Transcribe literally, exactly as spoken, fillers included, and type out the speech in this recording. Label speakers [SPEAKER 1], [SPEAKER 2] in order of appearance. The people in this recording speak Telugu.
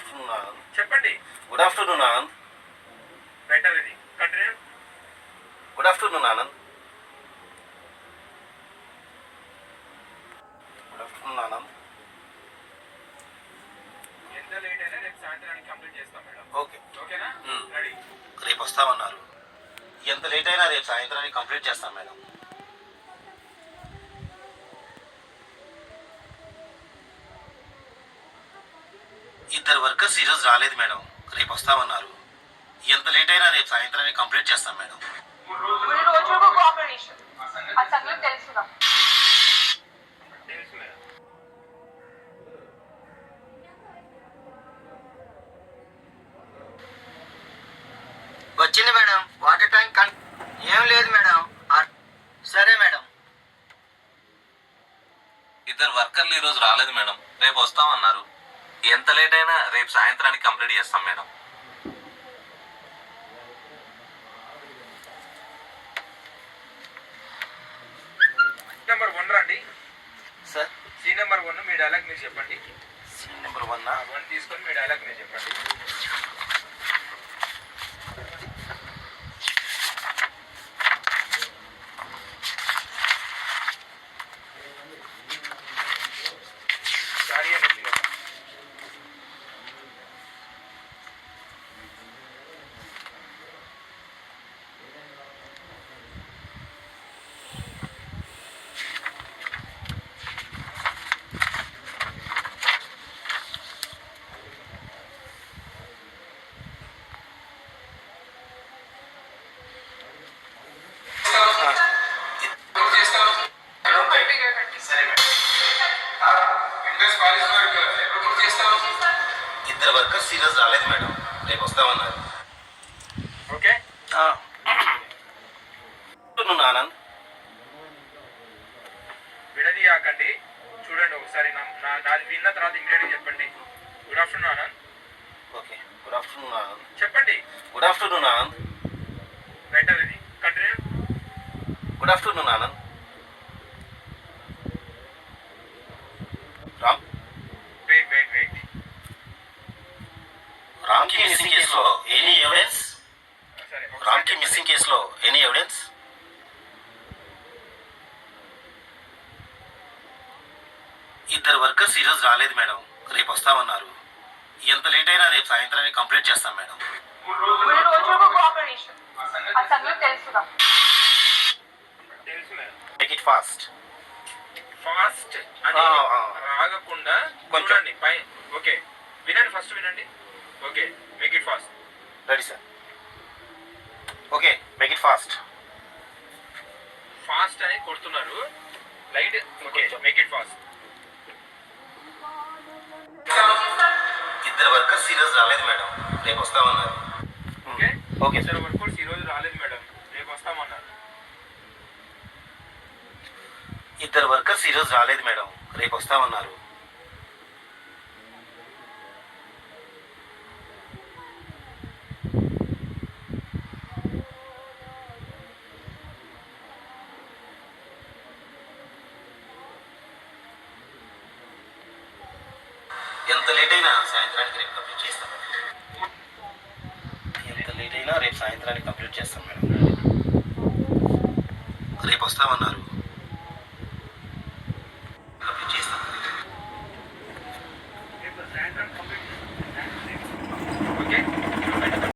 [SPEAKER 1] ఆఫ్టర్నూన్ ఆనంద్.
[SPEAKER 2] చెప్పండి.
[SPEAKER 1] Good afternoon Anand.
[SPEAKER 2] బెటర్ ఇది continue.
[SPEAKER 1] Good afternoon Anand. Good afternoon Anand.
[SPEAKER 2] ఎంత లేట్ అయినా రేపు సాయంత్రానికి కంప్లీట్ చేస్తాం మేడం.
[SPEAKER 1] ఓకే
[SPEAKER 2] ఓకేనా? రెడీ.
[SPEAKER 1] రేపు వస్తామన్నారు. ఎంత లేట్ అయినా రేపు సాయంత్రానికి కంప్లీట్ చేస్తాం మేడం. ఇద్దరు వర్కర్స్ ఈరోజు రాలేదు మేడం. రేపు వస్తామన్నారు. ఎంత లేట్ అయినా రేపు సాయంత్రానికి కంప్లీట్ చేస్తాం మేడం.
[SPEAKER 2] తెలుసు మేడం.
[SPEAKER 3] వచ్చింది మేడం. వాటర్ ట్యాంక్ కన్ ఏం లేదు మేడం. సరే మేడం.
[SPEAKER 4] ఇద్దరు వర్కర్లు ఈ రోజు రాలేదు మేడం. రేపు వస్తామన్నారు. ఎంత లేట్ అయినా రేపు సాయంత్రానికి కంప్లీట్ చేస్తాం మేడం.
[SPEAKER 2] నెంబర్ వన్ రండి
[SPEAKER 1] సార్.
[SPEAKER 2] సీ నెంబర్ వన్ మీ డైలాగ్ మీరు చెప్పండి.
[SPEAKER 1] Scene number one.
[SPEAKER 2] వన్ తీసుకొని మీ డైలాగ్ మీరు చెప్పండి. సారీ అండి.
[SPEAKER 1] ఇద్దరు వర్కర్స్ ఈరోజు రాలేదు మేడం. రేపు వస్తామన్నారు.
[SPEAKER 2] ఓకే.
[SPEAKER 1] ఆఫ్టర్నూన్ ఆనంద్.
[SPEAKER 2] విడదీయాకండి. చూడండి ఒకసారి నా- నా- నాది విన్న తర్వాత ఇంగ్రీడియంట్ చెప్పండి. Good afternoon Anand.
[SPEAKER 1] Okay. Good afternoon Anand.
[SPEAKER 2] చెప్పండి.
[SPEAKER 1] Good afternoon Anand.
[SPEAKER 2] బెటర్ ఇది continue.
[SPEAKER 1] Good afternoon Anand. Ram.
[SPEAKER 2] Wait wait wait
[SPEAKER 1] Ram కి మిస్సింగ్ కేసులో ఎనీ ఎవిడెన్స్?
[SPEAKER 2] సరే
[SPEAKER 1] రామ్ కి మిస్సింగ్ కేసులో ఎనీ ఎవిడెన్స్? ఇద్దరు వర్కర్స్ ఈరోజు రాలేదు మేడం. రేపు వస్తామన్నారు. ఎంత లేట్ అయినా రేపు సాయంత్రానికి కంప్లీట్ చేస్తాం మేడం.
[SPEAKER 2] తెలుసు madam.
[SPEAKER 1] Make it fast.
[SPEAKER 2] Fast అని
[SPEAKER 1] ఆ, ఆ.
[SPEAKER 2] రాగకుండా
[SPEAKER 1] కొంచెం.
[SPEAKER 2] చూడండి పై. ఓకే వినండి, ఫస్ట్ వినండి. Okay make it fast.
[SPEAKER 1] Ready sir. Okay make it fast.
[SPEAKER 2] Fast అని కొడుతున్నారు. Light. Okay make it fast.
[SPEAKER 1] ఇద్దరు వర్కర్స్ ఈరోజు రాలేదు మేడం. రేపు వస్తామన్నారు.
[SPEAKER 2] ఓకే
[SPEAKER 1] ఓకే
[SPEAKER 2] ఇద్దరు
[SPEAKER 1] సార్.
[SPEAKER 2] వర్కర్స్ ఈ రోజు రాలేదు మేడం. రేపు వస్తామన్నారు.
[SPEAKER 1] ఇద్దరు వర్కర్స్ ఈరోజు రాలేదు మేడం. రేపు వస్తామన్నారు. ఎంత లేట్ అయినా సాయంత్రానికి రేపు కంప్లీట్ చేస్తాం మేడం. ఎంత లేట్ అయినా రేపు సాయంత్రానికి కంప్లీట్ చేస్తాం మేడం. రేపు వస్తామన్నారు.